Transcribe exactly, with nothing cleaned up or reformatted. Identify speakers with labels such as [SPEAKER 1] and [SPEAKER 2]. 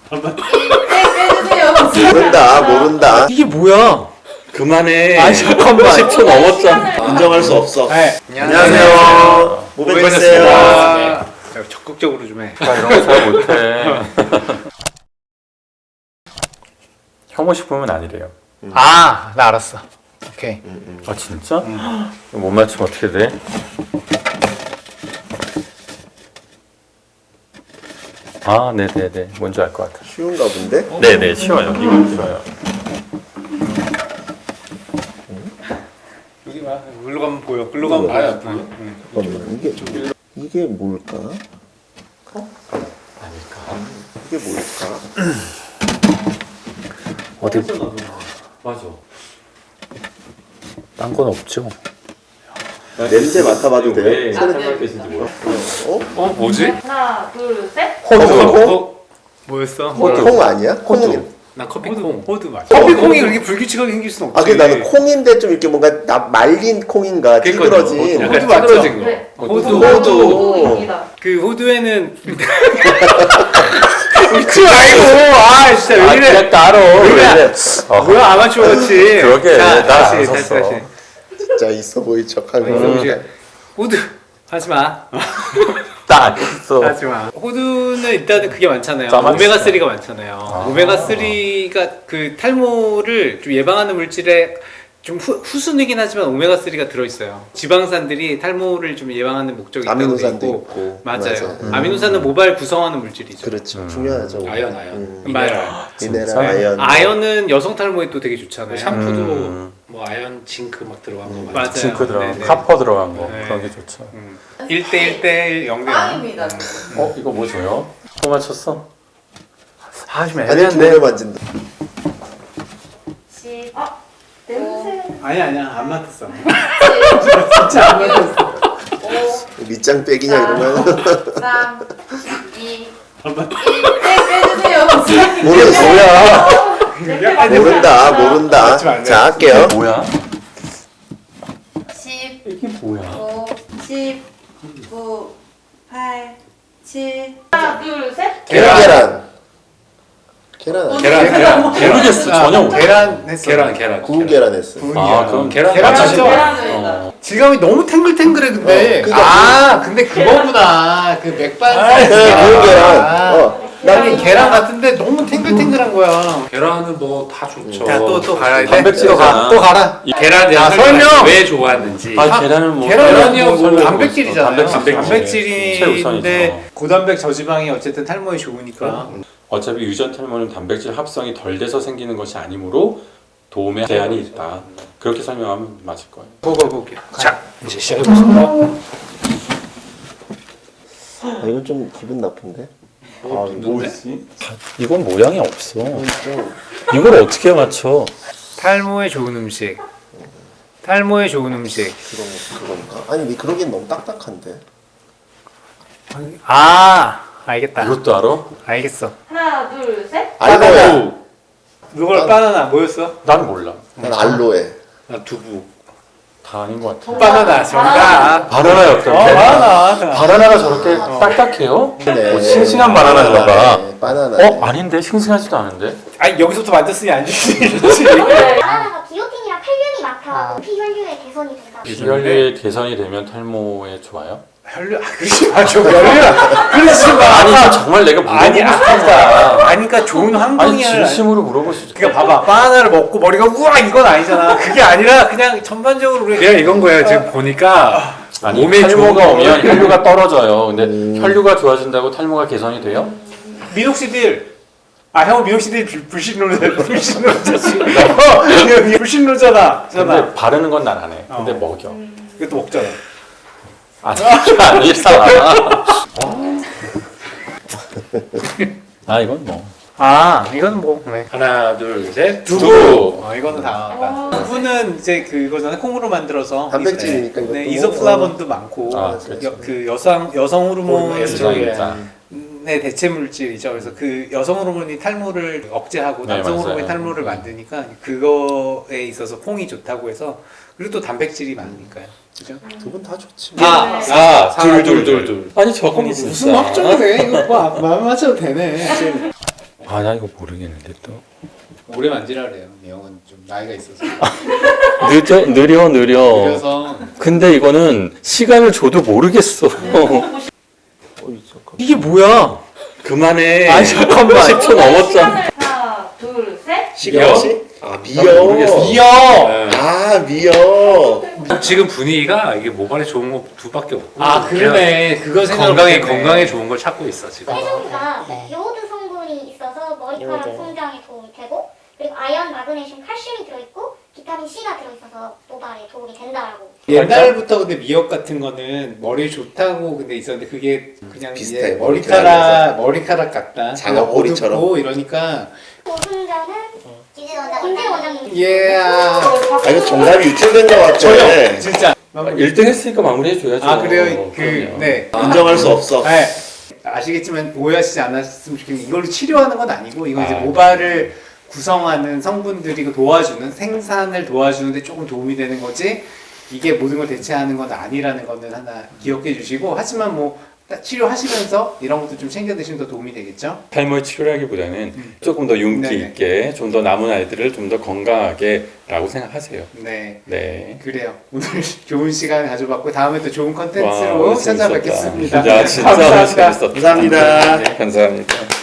[SPEAKER 1] 빼주세요.
[SPEAKER 2] 모른다 모른다.
[SPEAKER 3] 이게 뭐야?
[SPEAKER 4] 그만해.
[SPEAKER 3] 아 잠깐만.
[SPEAKER 4] 십 초 넘었잖아.
[SPEAKER 2] 인정할 수 없어.
[SPEAKER 3] 네.
[SPEAKER 2] 안녕하세요. 모백했어요.
[SPEAKER 3] 네. 적극적으로 좀 해.
[SPEAKER 4] 나 이런 거 잘 못해. 혐오식품은 아니래요.
[SPEAKER 3] 아, 나 알았어. 오케이.
[SPEAKER 4] 아 진짜? 못 맞추면 어떻게 돼? 아 네네네 뭔지 알 것 같아.
[SPEAKER 2] 쉬운가 본데?
[SPEAKER 4] 네네 쉬워요. 이건 쉬워요.
[SPEAKER 3] 여기 봐. 글로 가면 보여. 글로 가면 보여. 응.
[SPEAKER 2] 잠깐만 이게 이게 뭘까?
[SPEAKER 4] 아닐까?
[SPEAKER 2] 이게 뭘까?
[SPEAKER 4] 어디? 맞아. 딴 건 없죠.
[SPEAKER 2] 냄새 맡아봐도 돼요?
[SPEAKER 4] 왜
[SPEAKER 1] 아, 네.
[SPEAKER 4] 생각하시는지 몰라.
[SPEAKER 2] 어?
[SPEAKER 3] 어, 뭐지?
[SPEAKER 1] 하나, 둘, 셋.
[SPEAKER 4] 호두.
[SPEAKER 3] 어? 뭐였어?
[SPEAKER 2] 호두. 콩 아니야? 콩이.
[SPEAKER 3] 나 커피콩. 호두 맞아. 커피콩이 그렇게 불규칙하게 생길 수는 없지.
[SPEAKER 2] 아 근데 나는 콩인데 좀 이렇게 뭔가 나 말린 콩인가 찌그러진.
[SPEAKER 3] 약간
[SPEAKER 4] 호두 맞죠?
[SPEAKER 3] 찌그러진 거.
[SPEAKER 1] 네.
[SPEAKER 3] 호두.
[SPEAKER 2] 호두.
[SPEAKER 1] 호두입니다.
[SPEAKER 3] 그 호두에는 웃지 말고. 아 진짜 왜
[SPEAKER 4] 아
[SPEAKER 3] 이래?
[SPEAKER 4] 그냥 따로.
[SPEAKER 3] 왜 이래?
[SPEAKER 4] 어.
[SPEAKER 3] 뭐야 아마추어 같이.
[SPEAKER 4] 그러게,
[SPEAKER 3] 자,
[SPEAKER 4] 나
[SPEAKER 3] 다시
[SPEAKER 4] 안
[SPEAKER 3] 다시
[SPEAKER 4] 섰어.
[SPEAKER 3] 다시.
[SPEAKER 2] 진짜 있어 보이 척하고.
[SPEAKER 3] 음. 호두 하지 마.
[SPEAKER 4] 딱 있어.
[SPEAKER 3] 하지 마. 호두는 일단은 그게 많잖아요.
[SPEAKER 4] 짜만
[SPEAKER 3] 오메가
[SPEAKER 4] 있어요.
[SPEAKER 3] 쓰리가 많잖아요. 오메가 쓰리가 그 탈모를 좀 예방하는 물질에 좀 후, 후순이긴 하지만 오메가 쓰리가 들어있어요. 지방산들이 탈모를 좀 예방하는 목적이 있다고 돼
[SPEAKER 2] 아미노산도
[SPEAKER 3] 있고.
[SPEAKER 2] 있고.
[SPEAKER 3] 맞아요.
[SPEAKER 2] 맞아요. 음.
[SPEAKER 3] 아미노산은 모발 구성하는 물질이죠.
[SPEAKER 2] 그렇죠.
[SPEAKER 4] 음.
[SPEAKER 2] 중요하죠.
[SPEAKER 5] 아연, 아연.
[SPEAKER 2] 음.
[SPEAKER 3] 미네랄.
[SPEAKER 2] 미네랄
[SPEAKER 4] 진짜?
[SPEAKER 2] 아연.
[SPEAKER 3] 아연은 여성 탈모에 또 되게 좋잖아요.
[SPEAKER 5] 샴푸도
[SPEAKER 4] 음.
[SPEAKER 5] 뭐 아연, 징크 막 들어간 거
[SPEAKER 3] 맞아요.
[SPEAKER 4] 징크 들어간
[SPEAKER 3] 네네.
[SPEAKER 4] 거, 카퍼 들어간 거
[SPEAKER 3] 네.
[SPEAKER 4] 그런 게 좋죠.
[SPEAKER 3] 음. 일 대 일 대 일, 영 대 영.
[SPEAKER 1] 빵입니다.
[SPEAKER 4] 어 이거 뭐 줘요? 또 맞췄어?
[SPEAKER 3] 아, 좀
[SPEAKER 2] 아니
[SPEAKER 3] 애매한데.
[SPEAKER 2] 오래 만진다.
[SPEAKER 1] 십. 아, 냄새.
[SPEAKER 3] 아니 아니야 안 맞았어.
[SPEAKER 1] 진짜 안 맞았어. 오,
[SPEAKER 2] 밑장 빼기냐 이러면.
[SPEAKER 1] 삼, 이, 일. 빼주세요.
[SPEAKER 2] 모르 뭐야?
[SPEAKER 1] 냄새가
[SPEAKER 2] 모른다 모른다.
[SPEAKER 3] 맞지 말래.
[SPEAKER 2] 자 할게요.
[SPEAKER 4] 뭐야?
[SPEAKER 1] 십,
[SPEAKER 4] 이게 뭐야?
[SPEAKER 1] 오, 십, 구, 팔, 칠. 하나, 둘, 셋.
[SPEAKER 2] 계란. 계란. 계란 아니야?
[SPEAKER 5] 계란, 계란, 계란,
[SPEAKER 4] 모르겠어 전혀 모르겠어.
[SPEAKER 3] 계란 했어.
[SPEAKER 5] 계란, 계란.
[SPEAKER 2] 구운 계란 했어.
[SPEAKER 4] 아 그럼
[SPEAKER 5] 계란
[SPEAKER 3] 계란
[SPEAKER 5] 맞추신
[SPEAKER 3] 맞죠?
[SPEAKER 1] 계란입니다.
[SPEAKER 3] 질감이 너무 탱글탱글해 근데.
[SPEAKER 2] 어, 그니까
[SPEAKER 3] 아 근데 그거구나. 그 맥반
[SPEAKER 2] 네, 구운 계란.
[SPEAKER 3] 아,
[SPEAKER 2] 어.
[SPEAKER 3] 나는 계란 같은데 너무 탱글탱글한 거야.
[SPEAKER 5] 계란은 뭐 다 좋죠.
[SPEAKER 3] 자 또 또 가야 돼.
[SPEAKER 4] 단백질이잖아.
[SPEAKER 3] 또 가라.
[SPEAKER 5] 이 계란
[SPEAKER 3] 아,
[SPEAKER 5] 내가
[SPEAKER 3] 설명!
[SPEAKER 5] 왜 좋아하는지.
[SPEAKER 4] 아 계란은 뭐
[SPEAKER 3] 계란이요
[SPEAKER 4] 뭐
[SPEAKER 3] 뭐
[SPEAKER 4] 설명해
[SPEAKER 3] 단백질이잖아요.
[SPEAKER 4] 보겠어. 단백질.
[SPEAKER 3] 단백질인데
[SPEAKER 4] 최우선이죠.
[SPEAKER 3] 고단백 저지방이 어쨌든 탈모에 좋으니까.
[SPEAKER 4] 어차피 유전 탈모는 단백질 합성이 덜 돼서 생기는 것이 아니므로 도움에 제한이 있다. 그렇게 설명하면 맞을 거예요.
[SPEAKER 3] 보고 볼게요. 자 이제 시작해 보겠습니다.
[SPEAKER 2] 아, 이건 좀 기분 나쁜데. 아
[SPEAKER 4] 뭐지? 이건 모양이 없어.
[SPEAKER 2] 좀
[SPEAKER 4] 이걸 어떻게 맞춰?
[SPEAKER 3] 탈모에 좋은 음식. 탈모에 좋은 음식.
[SPEAKER 2] 그런 그런가? 아니 근데 그러기엔 너무 딱딱한데.
[SPEAKER 3] 아 알겠다.
[SPEAKER 4] 이것도 알아?
[SPEAKER 3] 알겠어.
[SPEAKER 1] 하나, 둘, 셋.
[SPEAKER 2] 알로에.
[SPEAKER 3] 누가
[SPEAKER 2] 난-
[SPEAKER 3] 바나나 뭐였어?
[SPEAKER 4] 난 몰라.
[SPEAKER 2] 난 알로에.
[SPEAKER 5] 난 두부.
[SPEAKER 4] 다 아닌 것 같아.
[SPEAKER 3] 바나나 정답.
[SPEAKER 4] 바나나였던
[SPEAKER 3] 어 바나나.
[SPEAKER 4] 바나나가 저렇게 딱딱해요?
[SPEAKER 2] 네.
[SPEAKER 4] 뭐 싱싱한 바나나인가 봐.
[SPEAKER 2] 네, 바나나.
[SPEAKER 4] 어? 아닌데? 싱싱하지도 않은데?
[SPEAKER 3] 아니 여기서부터 만졌으니 안 주지.
[SPEAKER 6] 바나나가 기오틴이랑 칼륨이 많더라고. 피혈류의 개선이 된다.
[SPEAKER 4] 비혈류의 개선이 되면 탈모에 좋아요?
[SPEAKER 3] 혈류 아 그러지 마. 저 혈류 그러지 마.
[SPEAKER 4] 아니 저 정말 내가
[SPEAKER 3] 아니
[SPEAKER 4] 물어보고
[SPEAKER 3] 아,
[SPEAKER 4] 싶다.
[SPEAKER 3] 아니 그러니까 좋은
[SPEAKER 4] 아니
[SPEAKER 3] 환경이야.
[SPEAKER 4] 진심으로 물어볼 수 있어.
[SPEAKER 3] 그러니까 봐봐 바나나를 먹고 머리가 우와 이건 아니잖아. 그게 아니라 그냥 전반적으로 우리
[SPEAKER 5] 그냥 이건 거예요. 지금 보니까
[SPEAKER 4] 아니
[SPEAKER 5] 몸에
[SPEAKER 4] 탈모가
[SPEAKER 5] 좋은
[SPEAKER 4] 오면
[SPEAKER 5] 거는-
[SPEAKER 4] 혈류가 떨어져요. 근데
[SPEAKER 2] 음.
[SPEAKER 4] 혈류가 좋아진다고 탈모가 개선이 돼요?
[SPEAKER 3] 미녹시딜. 아 형은 미녹시딜 불- 불신론자 불신론자지. 어, 형 불신론자다. 잖아.
[SPEAKER 4] 근데 바르는 건 난 안 해. 근데
[SPEAKER 3] 어.
[SPEAKER 4] 먹여.
[SPEAKER 3] 이것도 먹잖아.
[SPEAKER 4] 아니 그게 아니라. 아 이건 뭐.
[SPEAKER 3] 아 이건 뭐 네.
[SPEAKER 5] 하나, 둘, 셋.
[SPEAKER 4] 두부.
[SPEAKER 3] 어 이거는 다 나왔다. 두부는 이제 그거잖아 콩으로 만들어서
[SPEAKER 2] 단백질이니까
[SPEAKER 3] 네,
[SPEAKER 2] 이것도.
[SPEAKER 3] 이소플라본도 많고
[SPEAKER 4] 아, 그렇죠.
[SPEAKER 3] 여, 그 여성 여성 호르몬의
[SPEAKER 4] 에스트로겐.
[SPEAKER 3] 대체 물질이죠. 그래서 그 여성 호르몬이 탈모를 억제하고
[SPEAKER 4] 네,
[SPEAKER 3] 남성
[SPEAKER 4] 맞아요.
[SPEAKER 3] 호르몬이 탈모를 만드니까 그거에 있어서 콩이 좋다고 해서 그리고 또 단백질이 많으니까요. 그죠?
[SPEAKER 2] 두 분 다 좋지.
[SPEAKER 5] 아, 아, 둘, 둘, 둘, 둘.
[SPEAKER 4] 아니 저건
[SPEAKER 3] 무슨 확정이 돼? 이거 뭐 마음 맞춰도 되네.
[SPEAKER 4] 아, 나 이거 모르겠는데 또.
[SPEAKER 3] 오래 만지라 그래요. 이 형은 좀 나이가 있어서.
[SPEAKER 4] 늦어, 느려, 느려.
[SPEAKER 3] 그래서
[SPEAKER 4] 근데 이거는 시간을 줘도 모르겠어. 이게 뭐야? 그만해.
[SPEAKER 3] 아, 잠깐만.
[SPEAKER 4] 십 초 넘었잖아.
[SPEAKER 1] 하나, 둘, 셋.
[SPEAKER 2] 시간시? 아 미어.
[SPEAKER 4] 나 모르겠어.
[SPEAKER 3] 이어.
[SPEAKER 2] 아 미어.
[SPEAKER 5] 지금 분위기가 이게 모발에 좋은 거 두 밖에 없고.
[SPEAKER 3] 아 그러네. 그거 생각
[SPEAKER 5] 건강에 건강에 좋은 걸 찾고 있어 지금.
[SPEAKER 6] 해조류가 요오드 성분이 있어서 머리카락 성장에 도움이 되고 그리고 아연, 마그네슘, 칼슘이 들어있고 비타민 C가 들어있어서 모발에 도움이 된다라고.
[SPEAKER 3] 옛날부터 근데 미역 같은 거는 머리에 좋다고 근데 있었는데 그게 그냥
[SPEAKER 2] 비슷해,
[SPEAKER 3] 이제 머리카락 머리카락 같다.
[SPEAKER 2] 장어꼬리처럼.
[SPEAKER 3] 어둡고 이러니까.
[SPEAKER 6] 고순자는 김재 원장님.
[SPEAKER 3] 예.
[SPEAKER 2] 아 이거 정답이 유출된 것 같아.
[SPEAKER 3] 저요 진짜.
[SPEAKER 4] 일 등 했으니까 마무리해줘야죠.
[SPEAKER 3] 아 그래요. 그
[SPEAKER 4] 그럼요.
[SPEAKER 3] 네.
[SPEAKER 2] 인정할 수 없어.
[SPEAKER 3] 네. 아시겠지만 오해하시지 않았으면 좋겠는데 이걸로 치료하는 건 아니고 이거 이제
[SPEAKER 4] 아.
[SPEAKER 3] 모발을 구성하는 성분들이 그 도와주는 생산을 도와주는데 조금 도움이 되는 거지 이게 모든 걸 대체하는 건 아니라는 거는 하나 기억해 주시고 하지만 뭐 치료하시면서 이런 것도 좀 챙겨 드시면 더 도움이 되겠죠?
[SPEAKER 4] 탈모의 치료라기보다는 조금 더 윤기
[SPEAKER 3] 네네.
[SPEAKER 4] 있게 좀 더 남은 아이들을 좀 더 건강하게라고 생각하세요.
[SPEAKER 3] 네.
[SPEAKER 4] 네.
[SPEAKER 3] 그래요. 오늘 좋은 시간 가져봤고 다음에 또 좋은
[SPEAKER 4] 와,
[SPEAKER 3] 컨텐츠로
[SPEAKER 4] 오늘 재밌었다.
[SPEAKER 3] 찾아뵙겠습니다.
[SPEAKER 4] 진짜 진짜
[SPEAKER 3] 감사합니다.
[SPEAKER 4] 재밌었다.
[SPEAKER 2] 감사합니다.
[SPEAKER 4] 네, 감사합니다.